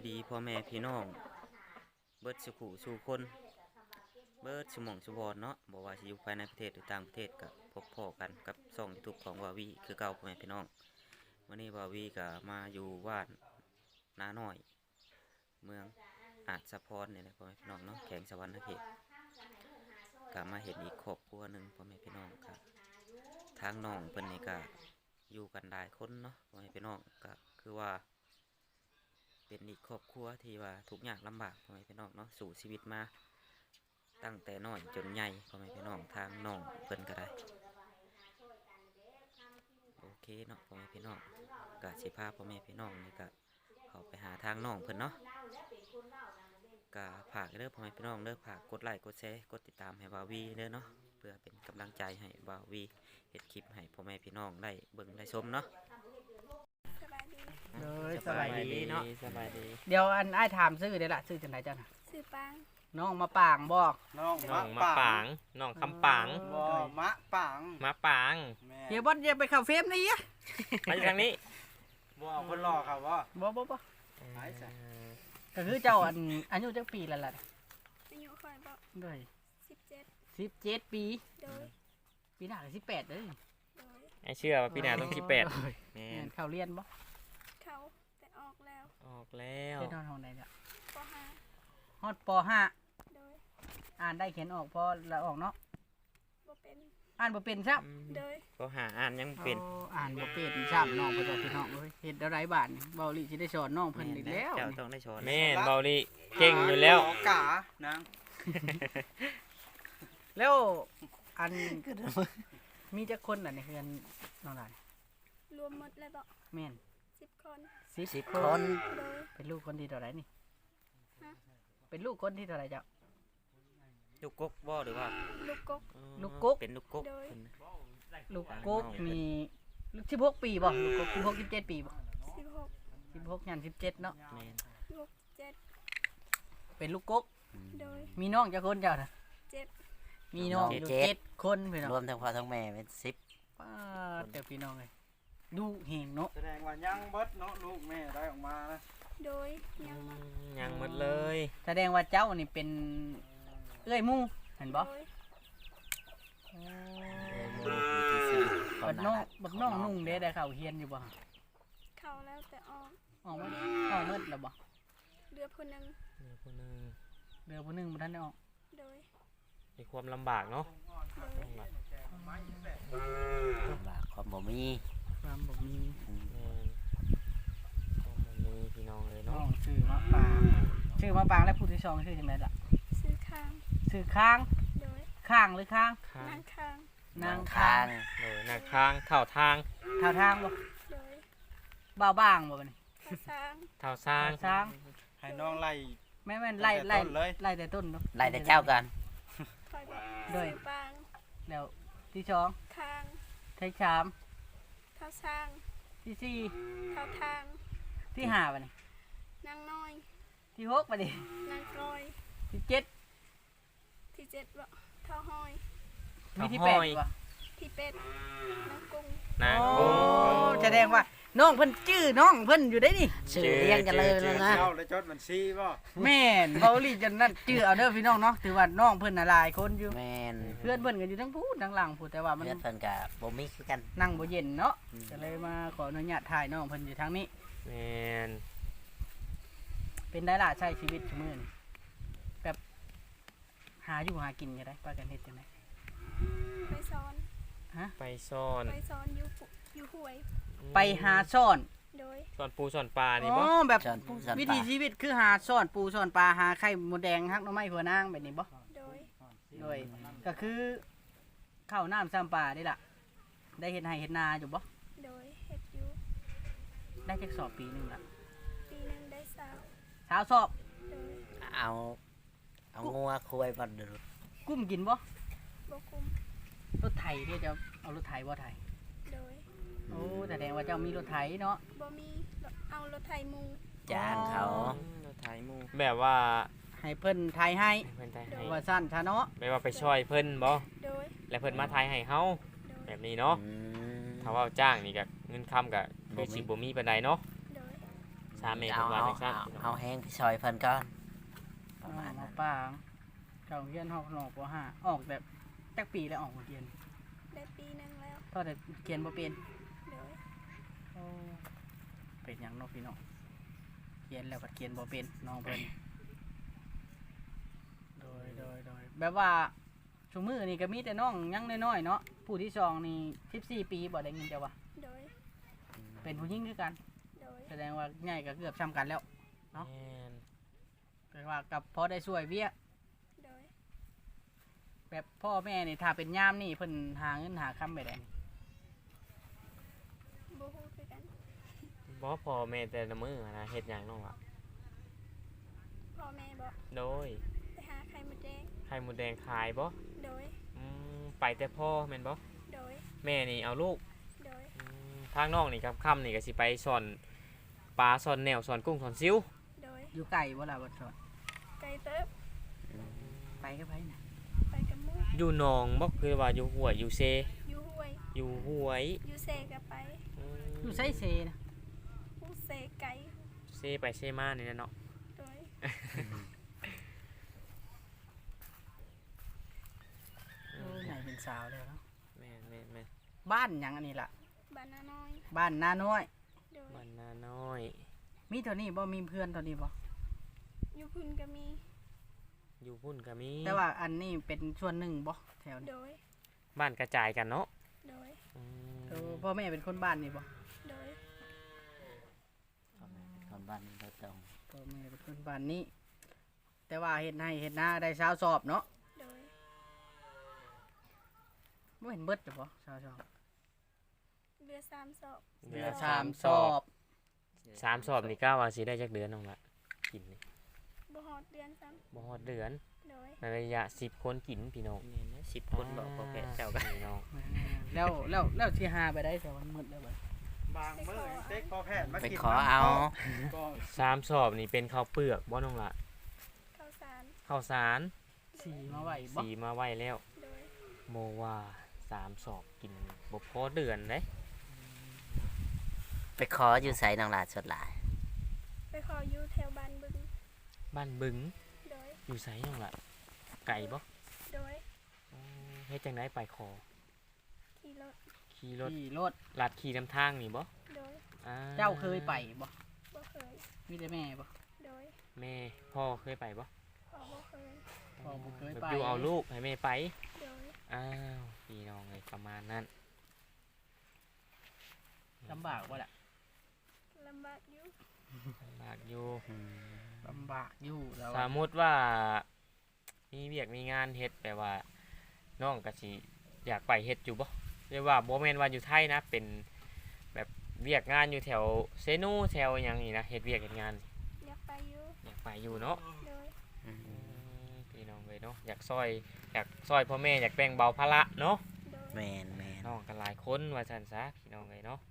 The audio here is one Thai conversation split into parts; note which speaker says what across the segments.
Speaker 1: ดีพ่อแม่พี่น้องเบิดสุขุสู่คนเบิดสมองสุบอนเนาะบอกว่าสิอยู่ภายในประเทศหรือต่างประเทศกับพบพ่อกันกับช่อง YouTube ของวาวีคือเก่าพ่อแม่พี่น้องวันนี้วาวีก็มาอยู่บ้านนาหน่อยเมืองอาจสะพรเนี่ยนะพ่อแม่พี่น้องเนาะแข่งสวรรค์เขตก็มาเห็นอีกครอบครัวหนึ่งพ่อแม่พี่น้องครับทางน้องเพิ่นนี่ก็อยู่กันหลายคนเนาะพ่อแม่พี่น้องก็คือว่าเป็นอีกครอบครัวที่ว่าทุกอย่างลำบากพ่อแม่พี่น้องเนาะสู่ชีวิตมาตั้งแต่น้อยจนใหญ่พ่อแม่พี่น้องทางน้องเพิ่นก็ได้โอเคเนาะพ่อแม่พี่น้องก็สิพาพ่อแม่พี่น้องนี่ก็เข้าไปหาทางน้องเพิ่นเนาะก็ฝากเด้อพ่อแม่พี่น้องเด้อฝากกดไลค์กดแชร์กดติดตามให้บ่าววีเด้อเนาะเพื่อเป็นกำลังใจให้บ่าววีเฮ็ดคลิปให้พ่อแม่พี่น้องได้เบิ่งได้ชมเนาะ
Speaker 2: สบายดีเนาะ
Speaker 1: สบายดี
Speaker 2: เดี๋ยวอันอ้ายถามซื้อเด้อล่ะซื้อจังได๋จ้ะน่ะ
Speaker 3: สื่อปาง
Speaker 2: น้องมาปางบ่
Speaker 4: น้อง
Speaker 5: น้องมะ
Speaker 4: มะ
Speaker 5: ปางน้องคำปาง
Speaker 4: บ่มะปาง
Speaker 5: มะปาง
Speaker 4: แม่
Speaker 2: เดี๋ยวบ่อย่าไปเข้าเฟรมนี่อะ
Speaker 5: มาจากทางนี้
Speaker 4: บ่เอาคนรอครับว่า
Speaker 2: บ่
Speaker 4: ไปจ้ะ
Speaker 2: ก็คือเจ้าอันอายุจักปีแล้วล่ะ
Speaker 3: อายุคอยบอก
Speaker 2: ด้วย
Speaker 3: 17
Speaker 2: 17 ปี
Speaker 3: โดย
Speaker 2: ปีหน้าก็18เด้อ
Speaker 3: โดย
Speaker 5: ไอเชื่อว่าพี่นาต้อง18แม่
Speaker 2: แม่นเข้าเรียนบ่
Speaker 3: เขาแต่ออกแล้ว
Speaker 5: ออกแล้ว
Speaker 2: เรียนนอนห้องใดเนี่ย
Speaker 3: ป
Speaker 2: ฮอดป .5
Speaker 3: โดย
Speaker 2: อ่านได้เขียนออกพอละออกเนาะ
Speaker 3: บ่เป็น
Speaker 2: อ่านบ่เป็นซับ
Speaker 3: โดย
Speaker 5: ก็หาอ่านยังเป็น
Speaker 2: อ่านบ่เป็นซับน้องเพิ่นว่าพี่น้องเอ้ยเฮ็ดได้หลายบาทนี่เบาหลีสิได้สอนน้องเพิ่นอีกแล้ว
Speaker 1: เจ้า
Speaker 2: นี่
Speaker 1: ต้องได้ชอน
Speaker 5: แม่นเบาลีเก่งอยู่แล้ว
Speaker 4: กานาง
Speaker 2: แล้วอันมีจักคนน่ะในเฮือนน้องหลาน
Speaker 3: รวมหมดแล้วบอก
Speaker 2: แม่น
Speaker 3: 10 คน
Speaker 2: 10 คน
Speaker 3: โดย
Speaker 2: เป็นลูกคนที่เท่าไหร่นี่
Speaker 3: ฮะ
Speaker 2: เป็นลูกคนที่เท่าไหร่เจ้า
Speaker 1: ลูกกกบ่หรือว่า
Speaker 3: ลูกกก
Speaker 2: ลูกกก
Speaker 1: เป็นลูกกก
Speaker 3: โดย
Speaker 1: เพิ่น
Speaker 2: ลูกกกมี16 ปีบ่ลูกกก16 17 ปีบ่
Speaker 3: 16
Speaker 2: 16ยัน17เนาะ
Speaker 1: แม่น
Speaker 3: ลูก
Speaker 2: เป็นลูกกก
Speaker 3: 7โดย
Speaker 2: มีน้องจักคนเจ้าน่ะ
Speaker 3: 7
Speaker 2: มีน้องอยู่7คนพี่น้อง
Speaker 1: รวมทั้งพ่อทั้งแม่เป็น10
Speaker 2: ป้าแต่พี่น้องเอ้ยดูเห็นเนาะ
Speaker 4: แสดงว่ายังเบิดเนาะลูกแม่ได้ออกมานะ
Speaker 3: โดยยังมา
Speaker 5: ยังหมดเลย
Speaker 2: แสดงว่าเจ้านี่เป็นเอ้ยหมู่เห็นบ่
Speaker 3: โดย
Speaker 2: บักน้องนุ่งเด้ได้เข้าเฮียนอยู่บ่
Speaker 3: เขาแล้วแต่ออก
Speaker 2: ออกมาออกเมิดแล้วบ่
Speaker 3: เรือผู้หนึง
Speaker 5: มีคนหนึง
Speaker 2: เดือผู้หนึงบ่ทันได้ออก
Speaker 3: โดย
Speaker 5: มีความลำบากเนาะ
Speaker 3: โดย
Speaker 5: ลำบาก
Speaker 1: ความบ่มี
Speaker 2: ความบ่มี
Speaker 5: แม่นต้องมีพี่น้องเลย
Speaker 2: น้อ
Speaker 5: เนาะ
Speaker 2: งชื่อมะปางชื่อมะปางและผู้ที่สองชื่อจังไดล่ะ
Speaker 3: ซื้อข้าง
Speaker 2: ชื่อค้าง
Speaker 3: โดย
Speaker 2: ข้างหรือค้าง
Speaker 5: ข้าง
Speaker 3: นั่งข้าง
Speaker 2: นางค้าง
Speaker 5: เลยหน้าทางเท่าทาง
Speaker 2: เท่าทางบ่
Speaker 3: โดย
Speaker 2: บ่าวบ้างบ่บัดนี้
Speaker 3: ข้าสร้าง
Speaker 5: เท่าสร้าง
Speaker 2: ทาง
Speaker 4: ให้น้องไล่
Speaker 2: แม่นไล่
Speaker 4: ตั้งแต่ต้นเลย
Speaker 2: ไล่แต่ต้นเนาะ
Speaker 1: ไล่แต่เจ้ากัน
Speaker 3: คอยบอก
Speaker 2: โดย
Speaker 3: สื่อปาง
Speaker 2: แล้วที่สอง
Speaker 3: ข้าง
Speaker 2: ที่สาม
Speaker 3: เท้าสร้าง
Speaker 2: ที่สี่
Speaker 3: เท้าทาง
Speaker 2: ที่ห้าบัดนี้
Speaker 3: นางน้อย
Speaker 2: ที่หกบัดนี้
Speaker 3: นางกลอย
Speaker 2: ที่เจ็ด
Speaker 3: ที่7บ่เท้าห้อย
Speaker 2: มีที่แปดบ่
Speaker 3: ที่เป็ดนางกุ้ง
Speaker 5: นาง
Speaker 2: โอ้
Speaker 5: กุ้ง
Speaker 2: แสดงว่าน้องเพิ่นชื่อน้องเพิ่นอยู่ได้นี่
Speaker 5: ชื่อเรียงกันเลยแล้วนะ
Speaker 4: เจ้าและจดบัญชีบ่
Speaker 2: แม่นเบาหลีจนนั่นชื่อเอาเด้อพี่น้องเนาะถือว่าน้องเพิ่นน่ะหลายคนอยู่
Speaker 1: แม่น
Speaker 2: เพื่อนเพิ่นก็อยู่ทั้งพูดทั้งหลังพูดแต่ว่ามัน
Speaker 1: เพื่อนเพิ่นก็บ่มีคือกัน
Speaker 2: นั่งบ่เย็นเนาะก็เลยมาขออนุญาตถ่ายน้องเพิ่นอยู่ทางนี้
Speaker 5: แม่น
Speaker 2: เป็นได้ล่ะใช้ชีวิตชั่วมื้อนี้แบบหาอยู่หากินก็ได้ปากันเฮ็ดจังได๋
Speaker 3: ไปซ้อน
Speaker 5: ไปซ่อน
Speaker 3: ไปซ้อนอยู่ห้วย
Speaker 2: ไปหาซ่อน
Speaker 3: โดย
Speaker 5: ซ่อนปูซ่อนปลานี่
Speaker 2: อ๋
Speaker 5: บ่
Speaker 2: อแบบ
Speaker 1: สอนผู้สอน
Speaker 2: วิ
Speaker 1: ป่า
Speaker 2: ถีชีวิตคือหาซ่อนปูซ่อนปลาหาไข่มดแดงฮักหน่อไม้หัวนางแบบนี้บ่
Speaker 3: โดย
Speaker 2: โดยก็คือข้าวน้ำซ้ำปลานี่ล่ะได้เฮ็ดไร่เฮ็ดนาอยู่บ่
Speaker 3: โดยเฮ็ดอยู่
Speaker 2: ได้จักสอบปีหนึงล่ะ
Speaker 3: ปีหนึงได้สาว
Speaker 2: สาวสอบ
Speaker 3: โดย
Speaker 1: เอางัวคุยบ่ดู
Speaker 2: กุ้มกินบ่
Speaker 3: บ่คุม
Speaker 2: รถไถเดี๋ยวจะเอารถไถบ่ไถ
Speaker 3: โดย
Speaker 2: โอ้แสดงว่าเจ้ามีรถไถเนาะ
Speaker 3: บ่มีเอารถไถมุง
Speaker 1: จ้างเขา
Speaker 5: เราถ่ายหมู่แบบว่า
Speaker 2: ให้เพิ่นไถให้
Speaker 5: เพิ่นถ่ายให้
Speaker 2: ว่าสั้นชะเนาะ
Speaker 5: แบบว่าไปช่วยเพิ่นบ่
Speaker 3: โดย
Speaker 5: แล้วเพิ่นมาถ่ายให้เฮา
Speaker 3: โดย
Speaker 5: แบบนี้เนาะ
Speaker 1: อืม
Speaker 5: ถ้าว่าจ้างนี่ก็เงินค้ำก็คือสิบ่มีปานใดเนาะ
Speaker 3: โดย
Speaker 5: สามเมตร
Speaker 1: เอา
Speaker 5: ว่า
Speaker 1: เอา
Speaker 5: จังซั่น
Speaker 1: เอาแห้งไปซอยเพิ่นก่อนประมาณ
Speaker 2: มา
Speaker 1: นั้น
Speaker 2: ปางเก่าเรียนหอกหนอกบ่ห้าออกแบบจักปีแล้วออกเรียน
Speaker 3: ได้ปีหนึงแล้ว
Speaker 2: ตอนแต่เขียนบ่เป็น
Speaker 3: โดย
Speaker 2: เป็นหยังเนาะพี่น้องเขียนแล้วก็เขียนบ่เป็นน้องเพิ่นโดยแบบว่าชุมือนี่ก็มีแต่น้องยังน้อยๆเนาะผู้ที่สองนี่14ปีบ่ได้เงินจ้ะวะ
Speaker 3: โดย
Speaker 2: เป็นผู้หญิงคือกัน
Speaker 3: โดย
Speaker 2: แสดงว่าใหญ่ก็เกือบซ้ำกันแล้ว
Speaker 5: แม่น
Speaker 2: แปลว่ากับพอได้ช่วยเวียก
Speaker 3: โดย
Speaker 2: แบบพ่อแม่นี่ถ้าเป็นยามนี่เพิ่นหาเงินหาคำไปได้นี่
Speaker 3: บ่ฮู้คือกัน
Speaker 5: บ่พอแม่แต่ละมื้อนะเฮ็ดหยังน้องล่ะ
Speaker 3: พ่อแม่บอก
Speaker 5: โดย
Speaker 3: ไปหาไข่มดแดง
Speaker 5: ไข่มดแดงขายบ่
Speaker 3: โดย
Speaker 5: ไปแต่พ่อแม่นบ่
Speaker 3: โดย
Speaker 5: แม่นี่เอาลูก
Speaker 3: โดย
Speaker 5: ทางน้องนี่ครับค่ำนี่ก็สิไปสอนปลาสอนแนวสอนกุ้งสอนซิว
Speaker 3: โดย
Speaker 2: อยู่ไกลบ่ล่ะบ่สอน
Speaker 3: ไก่เติบ
Speaker 2: ไปก็ไปนะ
Speaker 3: ไปกับหมู
Speaker 5: อยู่หนองบ่คือว่าอยู่ห้วยอยู่เซ
Speaker 3: อยู่ห้วย
Speaker 5: อยู่ห้วย
Speaker 3: อยู่เซก็ไป
Speaker 2: อยู่ไสเซนะ
Speaker 3: ผู้เซไก่
Speaker 5: เซไปเซมานี่แหละเนาะ
Speaker 3: โดย
Speaker 2: โอ้ใหญ่เป็นสาวแล้วเนาะ
Speaker 5: แม่นแม่นแม่น
Speaker 2: บ้านหยังอันนี้ล่ะ
Speaker 3: บ้านนาน้อย
Speaker 2: บ้านนาน้อย
Speaker 3: โดย
Speaker 5: บ้านนาน้อย
Speaker 2: มีเท่านี้บ่มีเพื่อนเท่านี้บ่
Speaker 3: อยู่พุ่นก็มี
Speaker 5: อยู่พุ่นก็มี
Speaker 2: แต่ว่าอันนี้เป็นส่วนหนึ่งบ่แถวนี้
Speaker 3: โดย
Speaker 5: บ้านกระจายกันเนาะ
Speaker 3: โดย
Speaker 5: อืม
Speaker 2: พ่อแม่เป็นคนบ้านนี่บ่
Speaker 3: โดย
Speaker 1: คนบ้านเราตรง
Speaker 2: พ่อแม่เป็นคนบ้านนี้ แต่ว่าเฮ็ดให้เฮ็ดหน้าได้ชาวสอบเนาะ
Speaker 3: โดย
Speaker 2: บ่เห็นเบิดจ้ะบ่ชาวสอบ
Speaker 3: เรือ3ศอก
Speaker 5: เดือน
Speaker 2: สามสอบ
Speaker 5: สามสอบนี่ก้าวว่าสิได้จักเดือนน้องละกินนี่
Speaker 3: บ่ฮอดเดือนซ้ำ
Speaker 5: บ่ฮอดเดือน
Speaker 3: โดย
Speaker 5: ในระยะ10คนกินพี่น้อง
Speaker 1: นี่นะ10 คนบอกพอแพทย์เจ้าก็
Speaker 5: พี่น้อง
Speaker 2: แล้วสิหาไปได้แต่วันมืดแล้วบ่
Speaker 4: บางมื้อเต็กพอแพทย์มา
Speaker 1: ไป
Speaker 4: กิน
Speaker 1: ขอเอา
Speaker 4: ก็
Speaker 5: สามสอบนี่เป็นข้าวเปลือกบ่น้องละ
Speaker 3: ข้าวสาร
Speaker 5: ข้าวสาร
Speaker 2: สีมาไหวบ่
Speaker 5: สีมาไว้แล้ว
Speaker 3: โดย
Speaker 5: โมว่าสามสอบกินบ่พอเดือนเด้
Speaker 1: ไปขออยู่ไสนางหลาดสดหลาย
Speaker 3: ไปขออยู่แถวบ้านบึง
Speaker 5: บ้านบึง
Speaker 3: โดย
Speaker 5: อยู่ไสน้องละไก่บ่
Speaker 3: โดย
Speaker 5: เฮ็ดจังไดไปขอ
Speaker 3: ขี่รถ
Speaker 5: ขี่รถ
Speaker 2: ขี่รถ
Speaker 5: ลัดขี่นำทางนี่บ่
Speaker 3: โดย
Speaker 5: อ่
Speaker 2: เจ้าเคยไปบ่
Speaker 3: บ่เคย
Speaker 2: มีแต่แม่บ่
Speaker 3: โดย
Speaker 5: แม่พ่อเคยไปบ่
Speaker 3: พ่อบ่เคย
Speaker 2: พ่อบ่เคย
Speaker 5: แบบ
Speaker 2: ไป
Speaker 5: อยู่เอาลูกให้แม่ไป
Speaker 3: โดย
Speaker 5: อ้าวพี่น้องเลยประมาณนั้น
Speaker 2: ลำบากบ่ล่ะ
Speaker 3: ลำบากอยู่
Speaker 5: ลำบากอยู่
Speaker 2: ลำบากอยู่แล้ว
Speaker 5: สมมติว่ามีเวียกมีงานเฮ็ดแปลว่าน้องก็สิอยากไปเฮ็ดอยู่บ่เรียกว่าบ่แม่นว่าอยู่ไทยนะเป็นแบบเวียกงานอยู่แถวเซนูแถวหยังนี่นะเฮ็ดเวียกเฮ็ดงาน
Speaker 3: อยากไปอยู่
Speaker 5: อยากไปอยู่เนาะ
Speaker 3: โดย
Speaker 5: พี่น้องเลยเนาะอยากซอยพ่อแม่อยากแบ่งเบาภาระเนาะ
Speaker 3: โดย
Speaker 1: แม่น
Speaker 5: น้องกันหลายคนว่าซั่นซะพี่น้องเลยเนาะ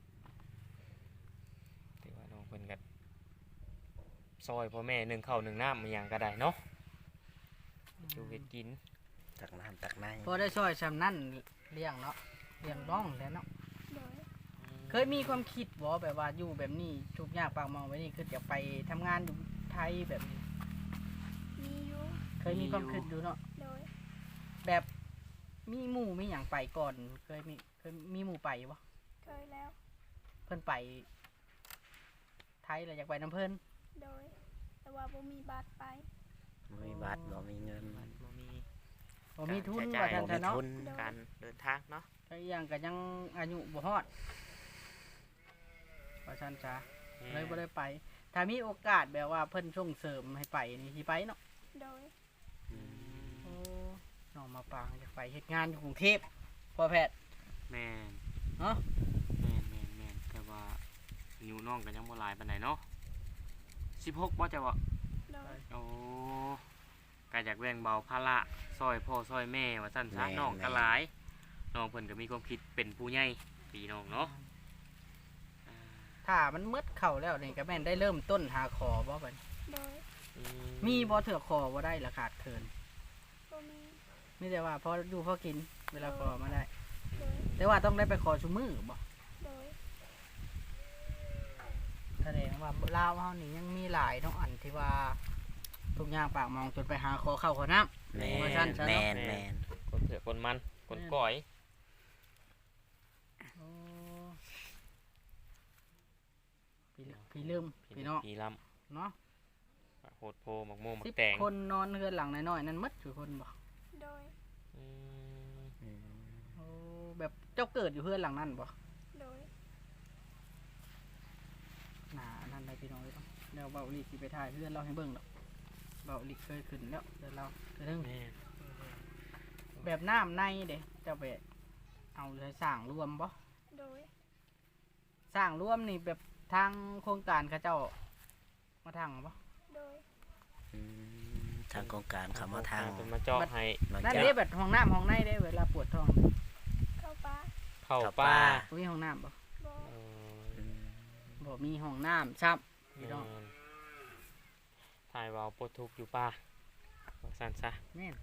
Speaker 5: ถือว่าน้องเพิ่นก็ซอยพ่อแม่นึ่งข้าวนึ่งน้ำมันหยังก็ได้เนาะอยู่เฮ็ดกิน
Speaker 1: ตักน้ำตักใน
Speaker 2: พอได้ช่วยซำนั้นเลี้ยงเนาะเลี้ยงน้องแล้วเนาะ
Speaker 3: โดย
Speaker 2: เคยมีความคิดบ่แบบว่าอยู่แบบนี้ทุกข์ยากปากหมองไว้นี่คือจะไปทำงานอยู่ไทยแบบนี้
Speaker 3: มีอยู่
Speaker 2: เคยมีความคิดอยู่เนาะ
Speaker 3: โดย
Speaker 2: แบบมีหมู่มีหยังไปก่อน เคยมีหมู่ไปบ่
Speaker 3: เคยแล้ว
Speaker 2: เพิ่นไป ไทยแล้วอยากไปน้ำเพิ่น
Speaker 3: โดย แต่ว่าบ่มีบัตรไป
Speaker 1: บ่มีบัตรบ่มีเงิน
Speaker 5: บ่มี
Speaker 2: บ่มีทุน
Speaker 1: ใช้
Speaker 2: ว่า
Speaker 1: จ่าย
Speaker 2: ซั่น
Speaker 1: บ่มี
Speaker 2: ซะเนาะ
Speaker 1: ทุนการเดินทางเนาะ
Speaker 2: ก็อีกอย่างก็ยังอายุบ่ฮอดว่าซั่นซะเลยบ่ได้ไป ถ้ามีโอกาสแบบว่าเพิ่นส่งเสริมให้ไปนี่สิไปเนาะ
Speaker 3: โดย
Speaker 2: โอ้น้องมาปางอยากไปเฮ็ดงานอยู่กรุงเทพพ่อแพทย์
Speaker 5: แม่น
Speaker 2: เนาะ
Speaker 5: แม่นแต่ว่าอายุน้องก็ยังบ่หลายปานใดเนาะ16บ่จะบ่
Speaker 3: โดย
Speaker 5: โอ้ก็อยากแบ่งเบาภาระซอยพ่อซอยแม่ว่าซั่นซะน้องก็หลายน้องเพิ่นก็มีความคิดเป็นผู้ใหญ่พี่น้องเนาะ
Speaker 2: ถ้ามันมืดเข้าแล้วนี่ก็แม่นได้เริ่มต้นหาขอบ่บัดนี้
Speaker 3: โดย
Speaker 2: มีบ่เถื่อขอบ่ได้ละขาดเคิน
Speaker 3: บ่มี
Speaker 2: มีแต่ว่าพออยู่พอกินเวลาขอมาได้
Speaker 3: โดย
Speaker 2: แต่ว่าต้องได้ไปขอชุมือบ่
Speaker 3: โดย
Speaker 2: ถแสดงว่าลาวเฮานี่ยังมีหลายเนาะอันที่ว่าทุกอย่างปากมองจนไปหาขอข้าวขอน้ำ
Speaker 1: แม่
Speaker 2: ว่าซั่น
Speaker 1: น
Speaker 2: ซะ
Speaker 1: แม่
Speaker 2: เนาะ
Speaker 1: นแม่น
Speaker 5: คนเผือกคนมันคนก้อย
Speaker 2: โอ้พี่ลืมพี่น้อง
Speaker 5: พี่ล
Speaker 2: เนาะ
Speaker 5: ำโหดโพหมักโมงหมัก
Speaker 2: 10
Speaker 5: แตง
Speaker 2: คนนอนเฮือนหลังน้อยๆนั่นหมดทุกคนบ่
Speaker 3: โดย
Speaker 5: อืม
Speaker 1: อืม
Speaker 2: โอ้แบบเจ้าเกิดอยู่เฮือนหลังนั้นบ่
Speaker 3: โดย
Speaker 2: น่านั่นได้พี่น้องเลยเนาะแล้วเบาลีสิไปถ่ายเฮือนเราให้เบิ่งดอกเบาลีเคยขึ้นแล้วเดี๋ยวเราจะถึง
Speaker 5: แม่
Speaker 2: แบบน้ำในเด้เจ้าไปเอาเลยสร้างรวมบ่
Speaker 3: โดย
Speaker 2: สร้างรวมนี่แบบทางโครงการเขาเจ้ามาทางบ่
Speaker 3: โดย
Speaker 1: อืมทางโครงการเขามาทาง
Speaker 5: เป็นมาเจาะให้
Speaker 1: มา
Speaker 2: นั่น
Speaker 1: จาก
Speaker 2: เด้แบบห้องน้ำห้องในเด้เวลาปวดท้อง
Speaker 3: เข้าป่า
Speaker 5: เข้า
Speaker 1: เข้า
Speaker 5: ป่า
Speaker 1: ป่า
Speaker 2: บ่มีห้องน้ำบ่
Speaker 3: บ่
Speaker 5: เออ
Speaker 1: อืม
Speaker 2: บ่มีห้องน้ำซ้ำพี่น้อง
Speaker 5: แม่นถ่ายเวาวปลดทุกข์อยู่ป่าว่าสั่นซะ
Speaker 2: แม่น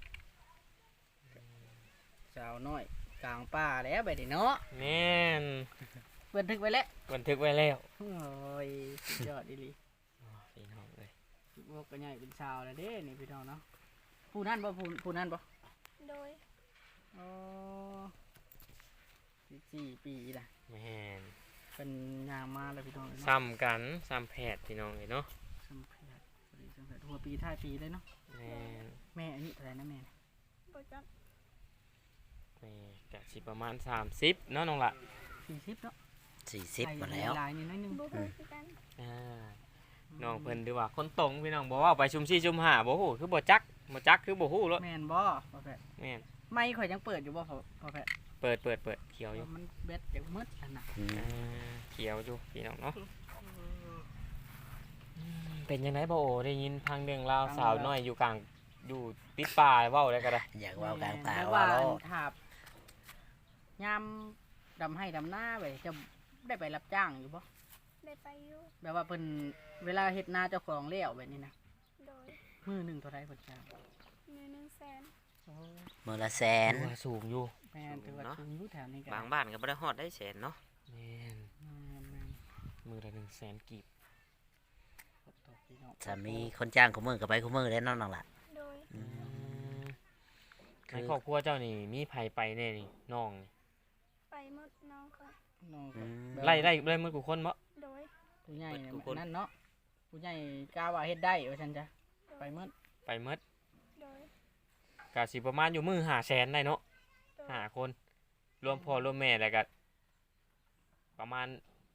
Speaker 2: สาวน้อยกลางป่าแล้วไปดิเนาะ
Speaker 5: แม่น
Speaker 2: บันทึกไว้แล้ว
Speaker 5: บันทึกไว้แล้ว
Speaker 2: โอ้ยสุดยอดอีหลี
Speaker 5: อ๋อพี่น้องเลย
Speaker 2: พวกก็ใหญ่เป็นชาวแล้วเด้นี่พี่น้องเนาะผู้นั่นบ่ผู้นั่นบ่
Speaker 3: โดย
Speaker 2: อ๋อ4 ปีล่ะ
Speaker 5: แม่น
Speaker 2: เป็นยางมาแล้วพี่น้องเนาะ
Speaker 5: ซ้ำกันซ้ำแพทย์พี่น้องเลยเนาะ
Speaker 2: สัมผัสพอดีสัมผัสหัวปีท้ายปีเลยเนาะ
Speaker 5: แม่น
Speaker 2: แม่อันนี้อะไรนะแม่
Speaker 3: บ่จัก
Speaker 5: แม่กะสิประมาณ30เนาะน้องละ
Speaker 2: 40เนาะ
Speaker 1: 40มาแล้ว
Speaker 2: ลายนี่น้อยหนึง
Speaker 3: บ่ฮู้คือกัน
Speaker 5: อ่าน้องเพิ่นดีว่าคนตรงพี่น้องบอกว่าไปชุมซี่ชุมหาบ่ฮู้คือบ่จักคือบ่ฮู้รถ
Speaker 2: แม่นบ่พอแพทย์
Speaker 5: แม่น
Speaker 2: ไม่ข่อยยังเปิดอยู่บ่พอแพทย์
Speaker 5: เปิดเขียวอยู่
Speaker 2: มันเบ็ดเดี๋ยวมืดอันน่ะ
Speaker 1: อืม
Speaker 5: อ่าเขียวอยู่พี่น้องเนาะเป็นยังไงบ่โอได้ยินพังเรื่องราวสาวน้อยอยู่กลางอยู่ติดป่าเว้าได้ก็ได้
Speaker 1: อยากเว่ากลางตา
Speaker 2: แล้ว
Speaker 1: ว่า
Speaker 2: ว่า
Speaker 1: โล
Speaker 2: อันถาบยามดำให้ดำหน้าไปจะได้ไปรับจ้างอยู่บ่
Speaker 3: ได้ไปอยู่
Speaker 2: แบบว่าเพิ่นเวลาเฮ็ดนาเจ้าของแล้วแบบนี้นะ
Speaker 3: โดย
Speaker 2: มื้อหนึงเท่าไรเพิ่นจ้าง
Speaker 3: มือ100,000
Speaker 2: โอ้
Speaker 1: มื้อละแสน
Speaker 5: ถือว่าสูงอยู่
Speaker 2: แม่นถือว่าสูงอยู่แถวนี้ก็
Speaker 1: บางบ้านก็บ่ได้ฮอดได้แสนเนาะ
Speaker 5: แม่น
Speaker 2: แม่น
Speaker 5: มือละ100,000กีบ
Speaker 2: ขอบคุณพี่น้อง
Speaker 1: ถ้ามีคนจ้างคู่มือก็ไปคู่มือได้เนาะน้องล่ะ
Speaker 3: โดย
Speaker 1: อืม
Speaker 5: ในครอบครัวเจ้านี่มีไผไปแน่นี่น้องนี่
Speaker 3: ไปหมดน้องค่ะ
Speaker 2: น้องก็
Speaker 1: อืม
Speaker 2: แบบ
Speaker 5: ไล่มือกูคนบ่
Speaker 3: โดย
Speaker 2: ผู้ใหญ่เนี่ย
Speaker 1: ทุกคน
Speaker 2: นั่นเนาะผู้ใหญ่กล้าว่าเฮ็ดได้ว่าซั่นจ้ะไปหมด
Speaker 5: ไปหมด
Speaker 3: โดย
Speaker 5: ก็สิประมาณอยู่มือ500,000ได้เนาะ
Speaker 3: โดย
Speaker 5: 5คนรวมพ่อรวมแม่แล้วก็ประมาณ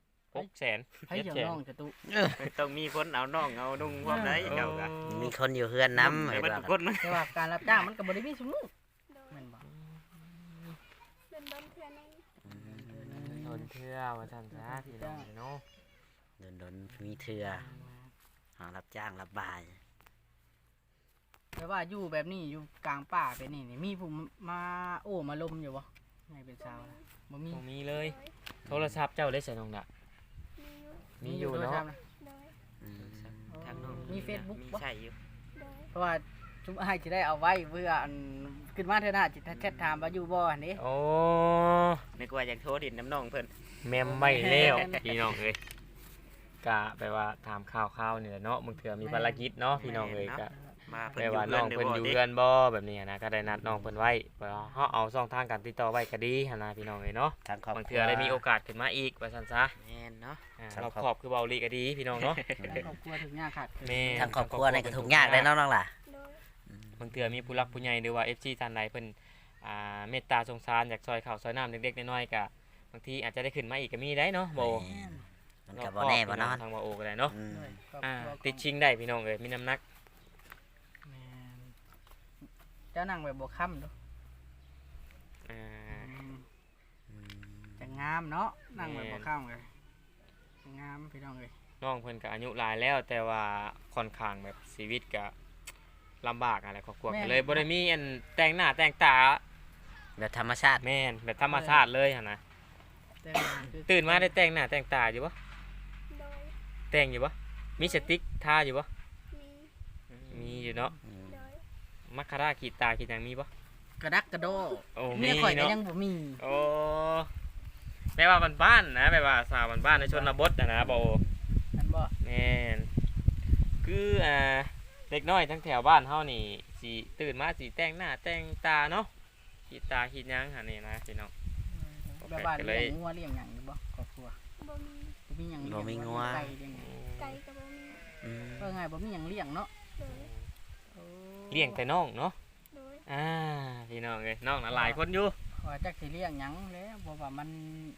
Speaker 5: 600,000
Speaker 2: ให้เดี๋ยวน้องจะตุ
Speaker 1: ต้องมีคนเอาน้องเอานุ่งพร้อมได้
Speaker 5: 700,000
Speaker 1: เจ้าก็มีคนอยู่เฮือนนำ
Speaker 5: ให้
Speaker 1: ให้
Speaker 5: เบิด
Speaker 1: ว่า
Speaker 5: ทุกคนนะ
Speaker 2: แต่ว่าการรับจ้างมันก็บ่ได้มีซุมื้อ
Speaker 3: โดย
Speaker 2: แม่นบ่
Speaker 3: เป็นดนเทื่อนึง
Speaker 1: อืม
Speaker 5: โดนเทื่อว่าซั่นซะพี่น้องเนาะ
Speaker 1: โดนมีเทื่อหารับจ้างรับบาย
Speaker 2: แต่ว่าอยู่แบบนี้อยู่กลางป่าไปนี่มีผู้มาโอ้มาลมอยู่บ่ไงเป็นสาวนะบ่มี
Speaker 5: บ่มีเลย
Speaker 3: โดย
Speaker 5: โทรศัพท์เจ้าได้ใส่น้องดะ
Speaker 3: มีอยู่
Speaker 5: มีอยู่เนาะ
Speaker 2: โทรศัพท์
Speaker 3: โดย
Speaker 1: อืม
Speaker 2: อ๋อ
Speaker 1: ทางน้อง
Speaker 2: มี Facebook
Speaker 1: มี
Speaker 2: บ่
Speaker 1: ใช่อยู่
Speaker 3: โดย
Speaker 2: เพราะว่าชุมอ้ายสิได้เอาไว้เพื่ออันขึ้นมาเถอะนะจิแชทถามว่าอยู่บ่อันนี้
Speaker 5: โอ้
Speaker 1: นึกว่าอยากโทรดินน้ำน้องเพิ่น
Speaker 5: แม่มไม่แล้วพี่น้องเอ้ยกะแปลว่าถามข่าวๆนี่แหละเนาะมึงเถื่อมีภารกิจเนาะพี่น้องเอ้ยกะ
Speaker 1: มา
Speaker 5: แปลว่าน้องเพิ่นอยู่เรือนบ่แบบนี้นะก็ได้นัดน้องเพิ่นไว้แปลว่าเฮาเอาช่องทางการติดต่อไว้ก็ดีหั่นนะพี่น้องเอ้ยเนาะ
Speaker 1: ทางครอบ
Speaker 5: บาง
Speaker 1: ครั
Speaker 5: เทื่อได้มีโอกาสขึ้นมาอีกว่าซั่นซะ
Speaker 1: แม่นเนาะ
Speaker 5: รอบครอบคือเบาลีก็ดีพี่น้องเนาะ
Speaker 2: ทางครอบครัวถึงยากขาดเกิน
Speaker 5: แม่
Speaker 1: ทางครอบครัวในกระทุกยากได้เนาะน้องล่ะ
Speaker 3: โดย
Speaker 5: บางเทื่อมีผู้รักผู้ใหญ่หรือว่า FC ท่านใดเพิ่นเมตตาสงสารอยากซอยข้าวซอยน้ำเด็กๆน้อยๆก็บางทีอาจจะได้ขึ้นมาอีกก็มีได้เนาะบ่
Speaker 1: แม่นมันก็บ่แน่บ่นอน
Speaker 5: ทางบ่โอก็ได้เนาะ
Speaker 1: อืม
Speaker 2: ด้วยครอบ
Speaker 5: อ่า
Speaker 2: ครัวของ
Speaker 5: ติดชิงได้พี่น้องเอ้ยมีน้ำหนัก
Speaker 2: แม่นเจ้านั่งแบบบ่ค่ำเด้อ
Speaker 5: อ่า
Speaker 1: อืม
Speaker 2: จะงามเนาะนั่งแบบ
Speaker 5: แม่
Speaker 2: บ่
Speaker 5: น
Speaker 2: ค่ำเลยจะงามพี่น้องเอ้ย
Speaker 5: น้องเพิ่นก็อายุหลายแล้วแต่ว่าค่อนข้างแบบชีวิตก็ลำบากอะไรครอบครัวก็เลยบ่ได้มีอันแต่งหน้าแต่งตา
Speaker 1: แบบธรรมชาติ
Speaker 5: แม่นแบบธรรมชาติเลยหั่นนะ
Speaker 2: แต่งคือ
Speaker 5: ตื่นมาได้แต่งหน้าแต่งตาอยู่บ่
Speaker 3: โดย
Speaker 5: แต่งอยู่บ่มีสติ๊กทาอยู่บ่
Speaker 3: มี
Speaker 5: มีอยู่เนาะ
Speaker 1: อืม
Speaker 3: โดย
Speaker 5: มัคคาราขีดตาขีดหยังมีบ่
Speaker 2: กระดักกระโด
Speaker 5: โอ้
Speaker 2: เมี
Speaker 5: มี
Speaker 2: ยข่อยก็
Speaker 5: เนาะ
Speaker 2: ยังบ่มี
Speaker 5: โอ้แปลว่าบ้านๆนะแปลว่าสาวบ้านๆในชนบทนะบ่
Speaker 2: อันบ่
Speaker 5: แม่นคือเด็กน้อยทั้งแถวบ้านเฮานี่สิตื่นมาสิแต่งหน้าแต่งตาเนาะขีดตาขีดหยังหั่นนี่นะพี่น้อง
Speaker 2: แบบว่าเลี้ยงงัวเลี้ยงหยังอยู่บ่ครอบครัว
Speaker 3: บ่มี
Speaker 2: บ่มีหยังเลี้ยง
Speaker 1: บ่มีงัว
Speaker 2: ไก่เลี้ยงหยัง
Speaker 3: ไก่ก็บ่มี
Speaker 1: อืม
Speaker 2: ว่าไงบ่มีหยังเลี้ยงเนาะ
Speaker 3: โดย
Speaker 5: เลี้ยงแต่น้องเนาะ
Speaker 3: โดย
Speaker 5: พี่น้องเอ้ยน้องน่ะหลายคนอยู่
Speaker 2: ว่าจักสิเลี้ยงหยังแล้วบ่ว่ามัน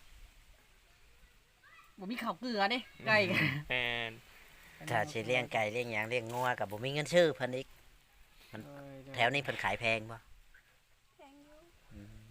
Speaker 2: บ่มีข้าวเกลือเด้ไก่ก็
Speaker 5: แม่น
Speaker 1: ถ้าสิเลี้ยงไก่เลี้ยงหยังเลี้ยงงัวก็บ่มีเงินซื้อเพิ่นอีก แถวนี้เพิ่นขายแพงบ่
Speaker 3: แพงอยู่
Speaker 1: อืม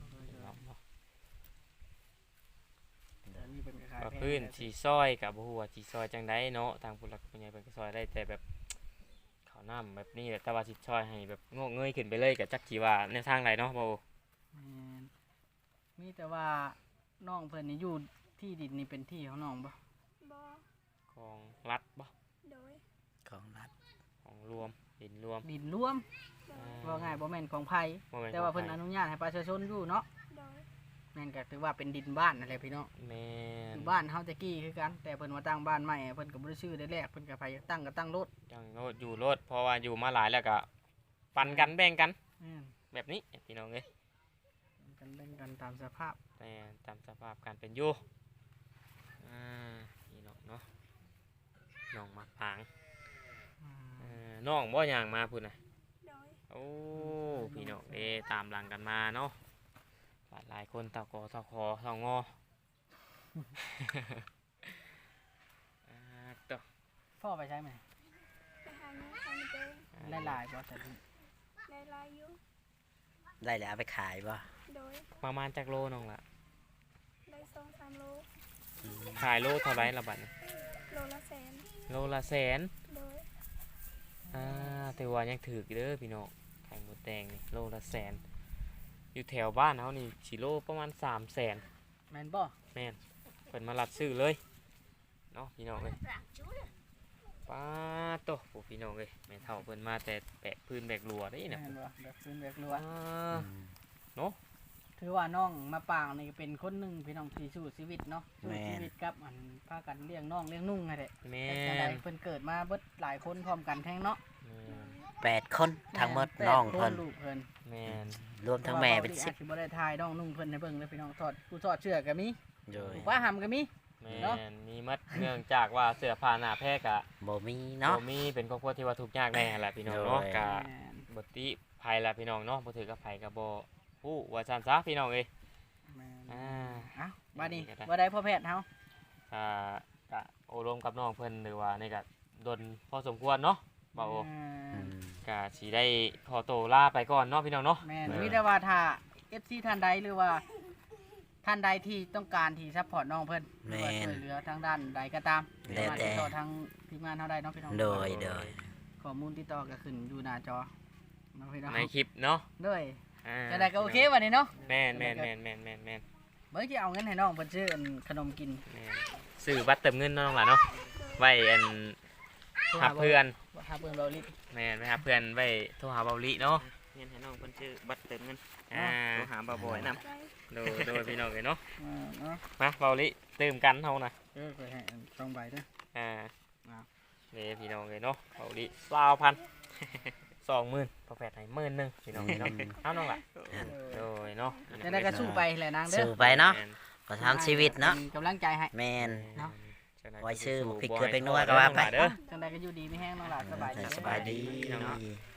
Speaker 2: แถวนี้เพิ่นก็ขาย
Speaker 5: ก็
Speaker 2: แพง
Speaker 5: พื้นสีซอยกับบ่ฮู้ว่าสิซอยจังไดเนาะทางผู้หลักผู้ใหญ่เพิ่นก็ซอยได้แต่แบบข้าวน้ำแบบนี้แหละแต่ว่าสิซอยให้แบบงอกเงยขึ้นไปเลยก็จักสิว่าแนวทางใดเนาะบ่
Speaker 2: แม่นมีแต่ว่าน้องเพิ่นนี่อยู่ที่ดินนี่เป็นที่ของน้องบ่
Speaker 3: บ่
Speaker 5: ของรัฐบ่
Speaker 3: โดย
Speaker 1: ของรัฐ
Speaker 5: ของรวมดินรวม
Speaker 2: ดินรวม
Speaker 3: โดย
Speaker 2: ว่าง่ายบ่แม่นของไผ
Speaker 5: บ่ม่
Speaker 2: แต่ว่า
Speaker 5: ข
Speaker 2: เพิ่
Speaker 5: อง
Speaker 2: น
Speaker 5: ใคร
Speaker 2: อนุญาตให้ประชาชนอยู่เนาะ
Speaker 3: โดย
Speaker 2: แม่นก็ถือว่าเป็นดินบ้านนั่นแหละพี่น้อง
Speaker 5: แม่น
Speaker 2: บ้านเฮาตะกี้คือกันแต่เพิ่นว่าตั้งบ้านใหม่เพิ่นก็บ่ได้ชื่อได้แรกเพิ่นก็ไปตั้งก็ตั้งรถ
Speaker 5: จังโลดอยู่โลดเพราะว่าอยู่มาหลายแล้วก็ปันกันแบ่งกัน
Speaker 2: อืม
Speaker 5: แบบนี้พี่น้องเอ้ย
Speaker 2: กันแบ่งกันตามสภาพ
Speaker 5: แต่ตามสภาพการเป็นอยู่พี่น้องเนาะน้องมาพางน้องบ่ย่างมาพุ่นน่ะ
Speaker 3: โดย
Speaker 5: โอ้พี่น้องตามหลังกันมาเนาะหลายคนตะกอตะคอตะงอ ต่อ
Speaker 2: พ่อไปใช้ไหม
Speaker 3: ไปหาเงินทำเอง
Speaker 2: ได้หลายบ่แต่
Speaker 3: ได้หลายอยู่
Speaker 1: ได้แล้วเอาไปขายบ่
Speaker 3: โดย
Speaker 5: ประมาณจากโลน้องละ
Speaker 3: ได้2-3โล
Speaker 5: ขายโลเท่าไรละบัดนี้
Speaker 3: โลละแสน
Speaker 5: โลละแสน
Speaker 3: โดย
Speaker 5: แต่ว่ายังถืออยู่เด้อพี่น้องไข่หมดแดงนี่โลละแสนอยู่แถวบ้านเขานี่ชิโลประมาณ300,000
Speaker 2: แม่นบ่
Speaker 5: แม่นเปิดมาลัดซื้อเลยเนาะพี่น้องเลยป้าโตโอ้พี่น้องเลยแม่เฒ่าเพิ่นมาแต่แบกพื้นแบกรัวได้
Speaker 2: แม่
Speaker 5: นะ
Speaker 2: นบ่แบบซื้อแบบรัว
Speaker 1: อืม
Speaker 2: ถือว่าน้องมาปางนี่เป็นคนหนึงพี่น้องที่สู้ชีวิตเนาะสู้ชีวิตกับอันพากันเลี้ยงน้องเลี้ยงนุ่งไงแหละ
Speaker 5: แม่
Speaker 2: แต่จังได
Speaker 5: น
Speaker 2: เพิ่นเกิดมาเบิดหลายคนพร้อมกันแท้งเนาะ
Speaker 1: 8 คนทั้งหมดน้องเพิ่น
Speaker 2: แปดคลูกเพิ่น
Speaker 5: แม่น
Speaker 1: รวมทั้งแม่เป็น
Speaker 2: อาจสิบ่ได้ทายน้องนุ่งเพิ่นให้เบิ่งเลยพี่น้องทอดผู้ทอดเชือกก็มี
Speaker 1: 10โดย
Speaker 2: ผู้ป้าหำก็มี
Speaker 5: แม่
Speaker 2: เนาะ
Speaker 5: นมีมัดเนื่องจากว่าเสื้อผ้าหน้าแพรกะ
Speaker 1: บ่มีเนาะ
Speaker 5: บ่มีเป็นครอบครัวที่ว่าทุกข์ยากแน่แหละพี่น้องเนาะ
Speaker 1: โดย
Speaker 5: กะบ่ติภัยละพี่น้องเนาะบ่ถือกับภัยก็บ่ฮู้ว่าซั่นซะพี่น้องเอ้ย
Speaker 2: แม่น
Speaker 5: อ่า
Speaker 2: เอ้าบัดนี้
Speaker 5: นี่ก็ได้
Speaker 2: บ่ได้พ่อแพทย์เฮา
Speaker 5: กะโอรมกับน้องเพิ่นหรือว่านี่ก็ดนพอสมควรเนาะบ่าวโอ
Speaker 1: อืม
Speaker 5: กะสิได้ขอตัวลาไปก่อนเนาะพี่น้องเนาะ
Speaker 2: แม่นมีแต่ว่าถ้า FC ท่านใดหรือว่าท่านใดที่ต้องการที่ซัพพอร์ตน้องเพิ่นหรือว่าช่วยเหลือทางด้านใดก็ตาม
Speaker 1: แล้ว
Speaker 2: สามารถ
Speaker 1: แต่
Speaker 2: ติดต่อทางทีมงานเฮาได้เนาะพี่น้อง
Speaker 1: โดย
Speaker 2: ข้อมูลติดต่อก็ขึ้นอยู่หน้าจอเนาะพี่น้อง
Speaker 5: ในคลิปเนาะ
Speaker 2: ด้วย
Speaker 5: อ่า
Speaker 2: จะได้ก็โอเควันนี้เนาะ
Speaker 5: แม่นแม่นแม่นแม่นแม่นแม่น
Speaker 2: เบิ่งสิเอาเงินให้น้องเพิ่นซื้ออันขนมกิน
Speaker 5: แม่นซื้อบัตรเติมเงินเนาะน้องหล่ะเนาะไว้อันหาเพื่อน
Speaker 2: หาเพื่อนเบาลิ
Speaker 5: แม่นไปหาเพื่อนไว้โทรหาเบาลิเนาะเงินให้น้องเพิ่นซื้อบัตรเติมเงินโทรหาบ่าวบอยนำ
Speaker 3: ได้
Speaker 5: โดยพี่น้องเลยเนาะ
Speaker 2: เนาะ
Speaker 5: มาเบาลิเติมกันเฮานะ
Speaker 2: เคยให้2ใบเด้อ
Speaker 5: อ่า
Speaker 2: อ้าว
Speaker 5: นี่พี่น้องเลยเนาะเบาลิ20,000 20,000พอแปดให้10,000พี่น้องเลยเนาะเอาน้องล่ะโดยเนาะ
Speaker 2: จะได้ก็สู้ไปแหละนางเด้อ
Speaker 1: สู้ไปเนาะประทังชีวิตเนาะ
Speaker 2: ป็กำลังใจให้
Speaker 1: แม่น
Speaker 2: เนาะ
Speaker 1: ไว้ซื้อหมูพริกเกลือแป้งนัวก็ว่าไป
Speaker 5: เด้อ
Speaker 2: จังใดก็อยู่ดีไม่แห้งน้องหลานสบายดี
Speaker 1: สบายดี
Speaker 5: เนาะ
Speaker 1: เนาะ